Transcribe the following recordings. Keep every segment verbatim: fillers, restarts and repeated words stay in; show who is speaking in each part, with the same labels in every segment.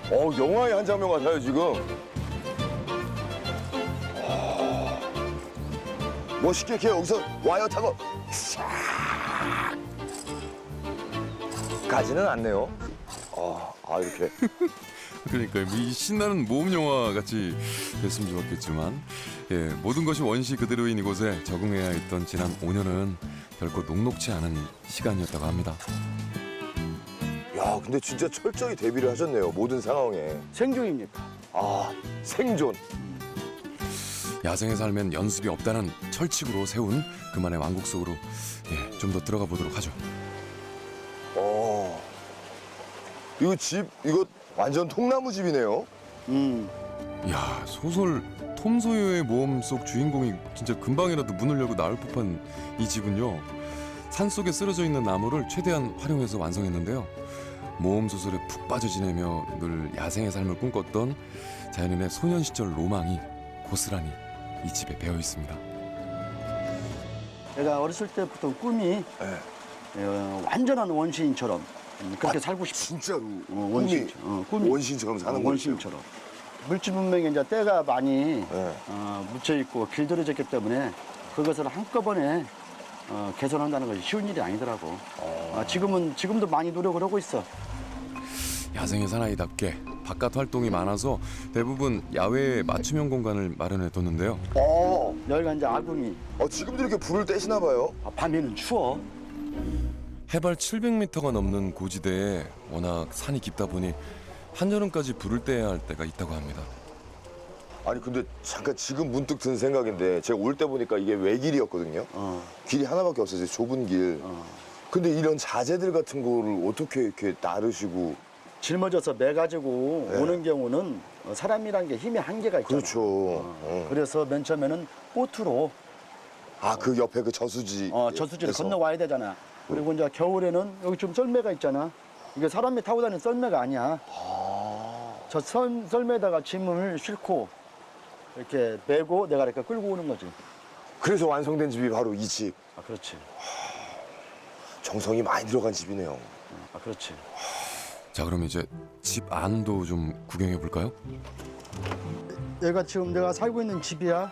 Speaker 1: 어, 영화의 한 장면 같아요, 지금. 아, 멋있게 이렇게 여기서 와이어 타고 싹 가지는 않네요. 아, 아 이렇게.
Speaker 2: 그러니까 이 신나는 모험 영화 같이 됐으면 좋았겠지만 예, 모든 것이 원시 그대로인 이곳에 적응해야 했던 지난 오 년은 결코 녹록지 않은 시간이었다고 합니다.
Speaker 1: 야, 근데 진짜 철저히 대비를 하셨네요, 모든 상황에.
Speaker 3: 생존입니까?
Speaker 1: 아, 생존.
Speaker 2: 야생의 삶엔 연습이 없다는 철칙으로 세운 그만의 왕국 속으로 예, 좀 더 들어가 보도록 하죠.
Speaker 1: 어, 이거 집, 이거 완전 통나무 집이네요.
Speaker 3: 음.
Speaker 2: 야, 소설 톰 소여의 모험 속 주인공이 진짜 금방이라도 문을 열고 나올 법한 이 집은요. 산속에 쓰러져 있는 나무를 최대한 활용해서 완성했는데요. 모험 소설에 푹 빠져 지내며 늘 야생의 삶을 꿈꿨던 자연인의 소년 시절 로망이 고스란히 이 집에 배어 있습니다.
Speaker 3: 내가 어렸을 때부터 꿈이
Speaker 1: 네.
Speaker 3: 어, 완전한 원시인처럼 음, 그렇게
Speaker 1: 아,
Speaker 3: 살고 싶어.
Speaker 1: 진짜로.
Speaker 3: 어, 원시인, 어, 꿈이
Speaker 1: 원시인처럼 사는
Speaker 3: 어,
Speaker 1: 거죠.
Speaker 3: 원시인처럼. 물질 문명에 이제 때가 많이
Speaker 1: 네.
Speaker 3: 어, 묻혀 있고 길들여졌기 때문에 그것을 한꺼번에 어, 개선한다는 것이 쉬운 일이 아니더라고. 아, 지금은 지금도 많이 노력을 하고 있어.
Speaker 2: 야생의 사나이답게 바깥 활동이 많아서 대부분 야외에 맞춤형 공간을 마련해 뒀는데요.
Speaker 1: 어,
Speaker 3: 여기가 이제 아궁이.
Speaker 1: 어, 지금도 이렇게 불을 떼시나 봐요.
Speaker 3: 아, 밤에는 추워.
Speaker 2: 해발 칠백 미터가 넘는 고지대에 워낙 산이 깊다 보니 한여름까지 불을 떼야 할 때가 있다고 합니다.
Speaker 1: 아니, 근데 잠깐 지금 문득 든 생각인데 제가 올 때 보니까 이게 외길이었거든요.
Speaker 3: 어,
Speaker 1: 길이 하나밖에 없어요, 좁은 길.
Speaker 3: 어.
Speaker 1: 근데 이런 자재들 같은 거를 어떻게 이렇게 나르시고.
Speaker 3: 짊어져서 매 가지고
Speaker 1: 네.
Speaker 3: 오는 경우는 어, 사람이란 게 힘의 한계가 있잖아.
Speaker 1: 그렇죠.
Speaker 3: 어,
Speaker 1: 어.
Speaker 3: 그래서 맨 처음에는 보트로
Speaker 1: 아, 그 옆에 그 저수지.
Speaker 3: 어, 저수지를
Speaker 1: 에서.
Speaker 3: 건너와야 되잖아. 그리고 이제 겨울에는 여기 좀 썰매가 있잖아. 이게 사람이 타고 다니는 썰매가 아니야.
Speaker 1: 아,
Speaker 3: 저 썰, 썰매에다가 짐을 싣고 이렇게 메고 내가 이렇게 끌고 오는 거지.
Speaker 1: 그래서 완성된 집이 바로 이 집.
Speaker 3: 아, 그렇지.
Speaker 1: 정성이 많이 들어간 집이네요.
Speaker 3: 아, 그렇지.
Speaker 2: 자, 그럼 이제 집 안도 좀 구경해 볼까요?
Speaker 3: 여기가 지금 내가 살고 있는 집이야.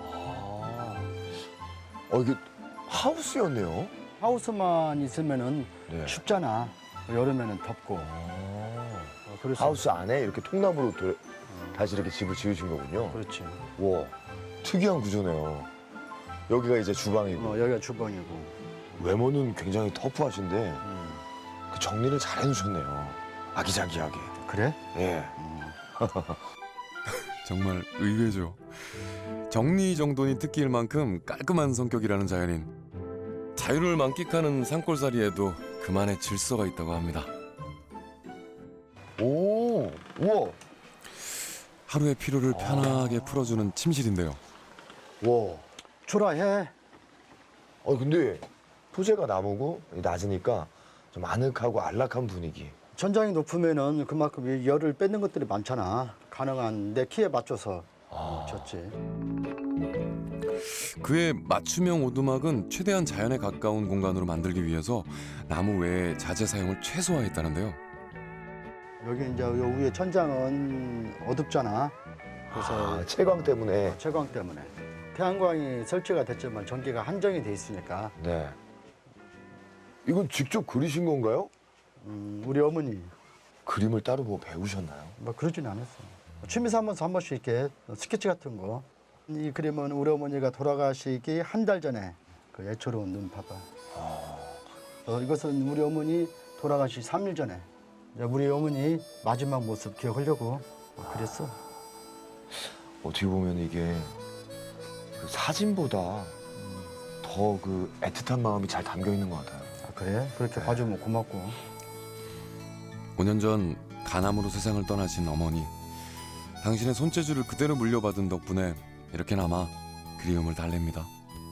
Speaker 1: 어, 이게 하우스였네요.
Speaker 3: 하우스만 있으면은
Speaker 1: 네.
Speaker 3: 춥잖아. 여름에는 덥고.
Speaker 1: 아,
Speaker 3: 어, 그래서
Speaker 1: 하우스 안에 이렇게 통나무로 도, 다시 이렇게 집을 지으신 거군요.
Speaker 3: 그렇지.
Speaker 1: 와, 특이한 구조네요. 여기가 이제 주방이고.
Speaker 3: 어, 여기가 주방이고.
Speaker 1: 외모는 굉장히 터프하신데
Speaker 3: 음.
Speaker 1: 그 정리를 잘 해놓으셨네요. 아기자기하게.
Speaker 3: 그래?
Speaker 1: 예.
Speaker 2: 정말 의외죠. 정리정돈이 특기일 만큼 깔끔한 성격이라는 자연인. 자유를 만끽하는 산골살이에도 그만의 질서가 있다고 합니다.
Speaker 1: 오, 우와,
Speaker 2: 하루의 피로를 편하게 풀어주는 침실인데요.
Speaker 1: 와.
Speaker 3: 초라해.
Speaker 1: 어, 근데 소재가 나무고 낮으니까 좀 아늑하고 안락한 분위기.
Speaker 3: 천장이 높으면은 그만큼 이 열을 뺏는 것들이 많잖아. 가능한 내 키에 맞춰서
Speaker 1: 아,
Speaker 3: 쳤지.
Speaker 2: 그의 맞춤형 오두막은 최대한 자연에 가까운 공간으로 만들기 위해서 나무 외에 자재 사용을 최소화했다는데요.
Speaker 3: 여기 이제 요 위에 천장은 어둡잖아. 그래서
Speaker 1: 아, 채광 때문에.
Speaker 3: 채광 때문에 태양광이 설치가 됐지만 전기가 한정이 돼 있으니까
Speaker 1: 네. 이건 직접 그리신 건가요?
Speaker 3: 음, 우리 어머니
Speaker 1: 그림을 따로 뭐 배우셨나요?
Speaker 3: 뭐 그러진 않았어. 취미 삼아서 한 번씩 이렇게 스케치 같은 거. 이 그림은 우리 어머니가 돌아가시기 한 달 전에 그 애처로운 눈 봐봐. 어, 이것은 우리 어머니 돌아가시 삼 일 전에 이제 우리 어머니 마지막 모습 기억하려고 그랬어.
Speaker 1: 어떻게 보면 이게 그 사진보다 더 그 애틋한 마음이 잘 담겨 있는 것 같아요.
Speaker 3: 아, 그래? 그렇게 봐주면 고맙고.
Speaker 2: 오 년 전 간암으로 세상을 떠나신 어머니. 당신의 손재주를 그대로 물려받은 덕분에 이렇게나마 그리움을 달랩니다.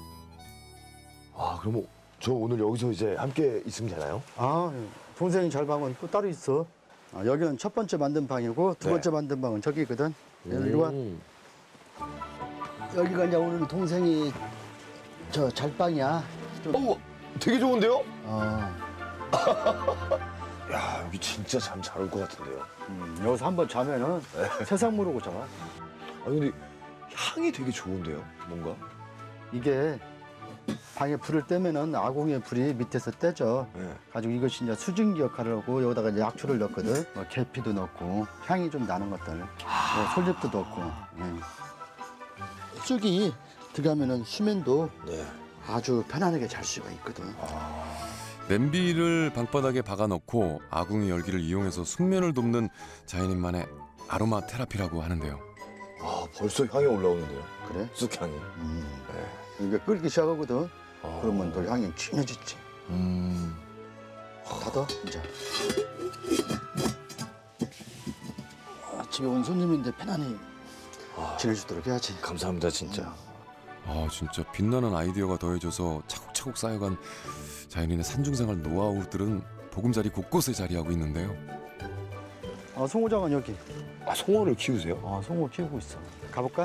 Speaker 1: 아, 그럼 저 오늘 여기서 이제 함께 있으면 되나요?
Speaker 3: 아, 동생이 잘 방은 또 따로 있어. 아, 여기는 첫 번째 만든 방이고 두
Speaker 1: 네.
Speaker 3: 번째 만든 방은 저기거든. 이리 와.
Speaker 1: 음.
Speaker 3: 여기가 이제 오늘 동생이 저 잘방이야. 좀,
Speaker 1: 어, 되게 좋은데요?
Speaker 3: 어.
Speaker 1: 야 여기 진짜 잠 잘 올 것 같은데요.
Speaker 3: 음, 여기서 한번 자면은 세상 모르고 자.
Speaker 1: 아 근데 향이 되게 좋은데요, 뭔가.
Speaker 3: 이게 방에 불을 떼면은 아궁이의 불이 밑에서 떼져.
Speaker 1: 네.
Speaker 3: 가지고 이것이 이제 수증기 역할을 하고 여기다가 이제 약초를 넣거든. 뭐 계피도 넣고 향이 좀 나는 것들. 뭐 솔잎도 넣고. 예. 쑥이 들어가면은 수면도
Speaker 1: 네.
Speaker 3: 아주 편안하게 잘 수가 있거든.
Speaker 2: 냄비를 방바닥에 박아놓고 아궁이 열기를 이용해서 숙면을 돕는 자연인만의 아로마 테라피라고 하는데요.
Speaker 1: 아 벌써 향이 올라오는데요.
Speaker 3: 그래?
Speaker 1: 쑥향이.
Speaker 3: 음.
Speaker 1: 네.
Speaker 3: 이게 끓기 시작하거든.
Speaker 1: 아.
Speaker 3: 그러면 또 향이 진해지지.
Speaker 1: 음.
Speaker 3: 닫아 이제. 아, 집에 온 손님인데 편안히
Speaker 1: 아,
Speaker 3: 지내주도록 해야지.
Speaker 1: 감사합니다 진짜.
Speaker 2: 아 진짜 빛나는 아이디어가 더해져서 차곡차곡 쌓여간 자연인의 산중생활 노하우들은 보금자리 곳곳에 자리하고 있는데요.
Speaker 3: 아, 송호장은 여기.
Speaker 1: 아 송어를 키우세요?
Speaker 3: 아, 송호 키우고 있어. 가볼까?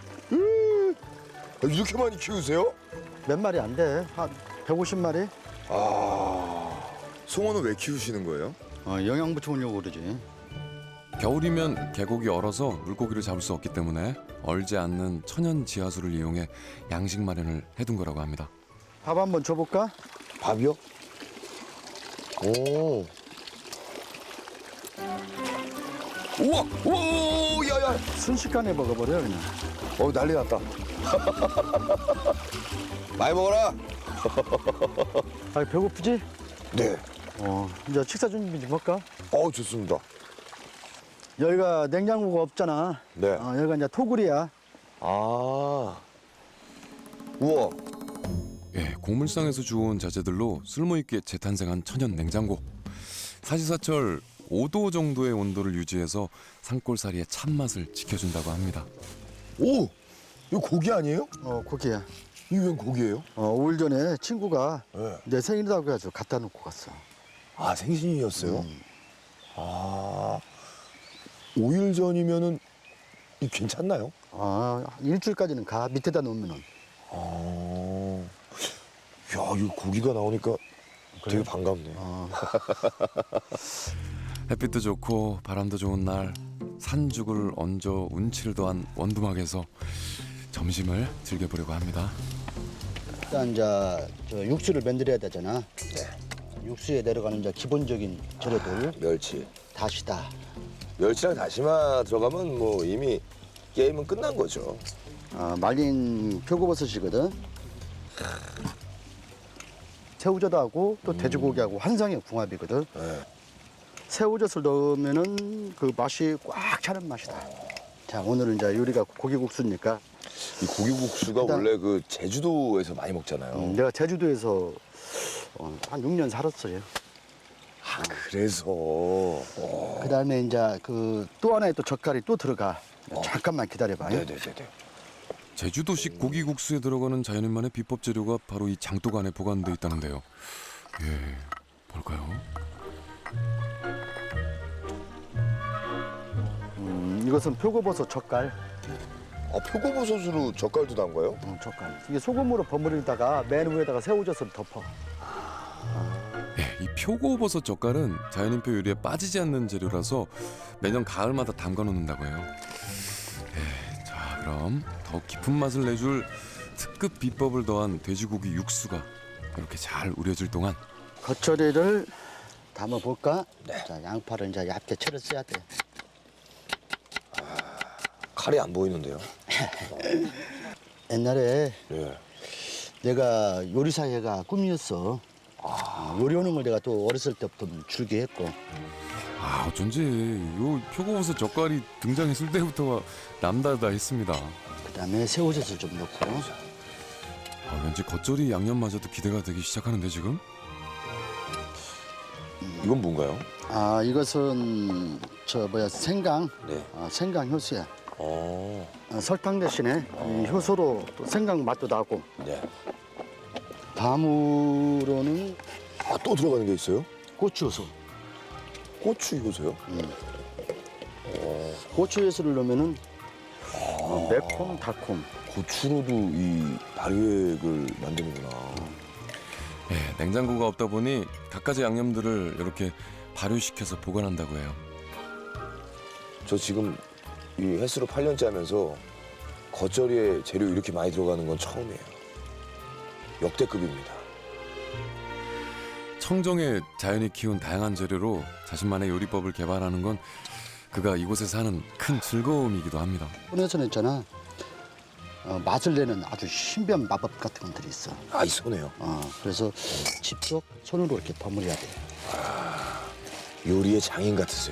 Speaker 1: 아, 이렇게 많이 키우세요?
Speaker 3: 몇 마리 안 돼. 한 백오십 마리?
Speaker 1: 아 송어는 왜 키우시는 거예요?
Speaker 3: 어, 영양 붙여오려고 그러지.
Speaker 2: 겨울이면 계곡이 얼어서 물고기를 잡을 수 없기 때문에 얼지 않는 천연 지하수를 이용해 양식 마련을 해둔 거라고 합니다.
Speaker 3: 밥 한번 줘볼까?
Speaker 1: 밥이요? 오. 우와, 오, 야야.
Speaker 3: 순식간에 먹어버려 그냥.
Speaker 1: 어 난리 났다. 많이 먹어라.
Speaker 3: 아, 배고프지?
Speaker 1: 네.
Speaker 3: 어, 이제 식사 준비 좀 할까?
Speaker 1: 어 좋습니다.
Speaker 3: 여기가 냉장고가 없잖아.
Speaker 1: 네.
Speaker 3: 어, 여기가 이제 토굴이야.
Speaker 1: 아. 우와.
Speaker 2: 예, 곡물상에서 주워온 자재들로 쓸모있게 재탄생한 천연 냉장고. 사시사철 오 도 정도의 온도를 유지해서 산골살이의 참맛을 지켜준다고 합니다.
Speaker 1: 오. 이거 고기 아니에요?
Speaker 3: 어, 고기야.
Speaker 1: 이게 웬 고기예요?
Speaker 3: 어, 오 일 전에 친구가
Speaker 1: 네.
Speaker 3: 내 생일이라고 해가지고 갖다 놓고 갔어.
Speaker 1: 아 생신이었어요?
Speaker 3: 음.
Speaker 1: 아. 오 일 전이면은 이 괜찮나요?
Speaker 3: 아, 일주일까지는 가. 밑에다 놓으면은.
Speaker 1: 아. 야, 이 고기가 나오니까 되게 반갑네.
Speaker 3: 어,
Speaker 2: 햇빛도 좋고 바람도 좋은 날 산죽을 얹어 운치를 더한 원두막에서 점심을 즐겨보려고 합니다.
Speaker 3: 일단 이제 저 육수를 만들어야 되잖아. 네. 육수에 내려가는 이제 기본적인 재료들.
Speaker 1: 멸치.
Speaker 3: 다시다.
Speaker 1: 멸치랑 다시마 들어가면 뭐 이미 게임은 끝난 거죠.
Speaker 3: 어, 말린 표고버섯이거든. 새우젓하고 또 돼지고기하고 환상의 궁합이거든.
Speaker 1: 네.
Speaker 3: 새우젓을 넣으면은 그 맛이 꽉 차는 맛이다. 자, 오늘은 이제 요리가 고기국수니까
Speaker 1: 이 고기국수가
Speaker 3: 일단-
Speaker 1: 원래 그 제주도에서 많이 먹잖아요.
Speaker 3: 음, 내가 제주도에서 어, 한 육 년 살았어요.
Speaker 1: 아, 그래서. 어.
Speaker 3: 그다음에 이제 그 또 하나의 또 젓갈이 또 들어가. 잠깐만 기다려봐.
Speaker 1: 네네네네.
Speaker 2: 제주도식 고기국수에 들어가는 자연인만의 비법 재료가 바로 이 장독 안에 보관돼 있다는데요. 예, 뭘까요?
Speaker 3: 음, 이것은 표고버섯 젓갈.
Speaker 1: 아, 표고버섯으로 젓갈도 담가요?
Speaker 3: 음, 젓갈. 이게 소금으로 버무리다가 맨 위에다가 새우젓을 덮어.
Speaker 2: 예, 이 표고버섯 젓갈은 자연인표 요리에 빠지지 않는 재료라서 매년 가을마다 담가 놓는다고 해요. 예, 자 그럼 더 깊은 맛을 내줄 특급 비법을 더한 돼지고기 육수가 이렇게 잘 우려질 동안
Speaker 3: 겉절이를 담아 볼까? 자, 양파를 이제 얇게 채를 써야 돼.
Speaker 1: 칼이 안 보이는데요.
Speaker 3: 옛날에
Speaker 1: 예.
Speaker 3: 내가 요리사회가 꿈이었어. 어, 요리하는 걸 내가 또 어렸을 때부터 즐겨했고.
Speaker 2: 아 어쩐지 요 표고버섯 젓갈이 등장했을 때부터 남다르다 했습니다.
Speaker 3: 그다음에 새우젓을 좀 넣고.
Speaker 2: 아, 왠지 겉절이 양념마저도 기대가 되기 시작하는데 지금?
Speaker 1: 이건 뭔가요?
Speaker 3: 아, 이것은 저 뭐야 생강.
Speaker 1: 네.
Speaker 3: 어, 생강 효소야.
Speaker 1: 어.
Speaker 3: 어, 설탕 대신에 이 효소로 또 생강 맛도 나고.
Speaker 1: 네.
Speaker 3: 다음으로는
Speaker 1: 아, 또 들어가는 게 있어요?
Speaker 3: 고추 효소.
Speaker 1: 고추 이거세요?
Speaker 3: 고추 효소를 넣으면은 어, 매콤 달콤.
Speaker 1: 고추로도 이 발효액을 만드는구나.
Speaker 2: 예, 냉장고가 없다 보니 갖가지 양념들을 이렇게 발효시켜서 보관한다고 해요.
Speaker 1: 저 지금 이 횟수로 팔 년째 하면서 겉절이에 재료 이렇게 많이 들어가는 건 처음이에요. 역대급입니다.
Speaker 2: 청정에 자연이 키운 다양한 재료로 자신만의 요리법을 개발하는 건 그가 이곳에서 하는 큰 즐거움이기도 합니다.
Speaker 3: 손에서는 있잖아. 어, 맛을 내는 아주 신비한 마법 같은 것들이 있어.
Speaker 1: 아, 이 손에요.
Speaker 3: 어, 그래서 직접 손으로 이렇게 버무려야 돼.
Speaker 1: 요리의 장인 같으세요.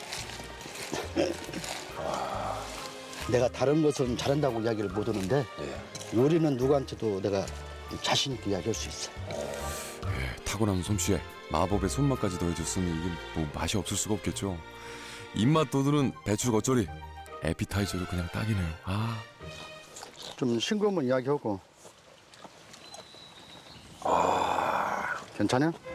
Speaker 3: 내가 다른 것은 잘한다고 이야기를 못 하는데
Speaker 1: 네.
Speaker 3: 요리는 누구한테도 내가 자신 있게 이야기할 수 있어.
Speaker 2: 예, 타고난 솜씨에 마법의 손맛까지 더해졌으니 이게 뭐 맛이 없을 수가 없겠죠. 입맛 돋우는 배추 겉절이 에피타이저도 그냥 딱이네요. 아,
Speaker 3: 좀 싱거우면 이야기하고. 아, 괜찮아?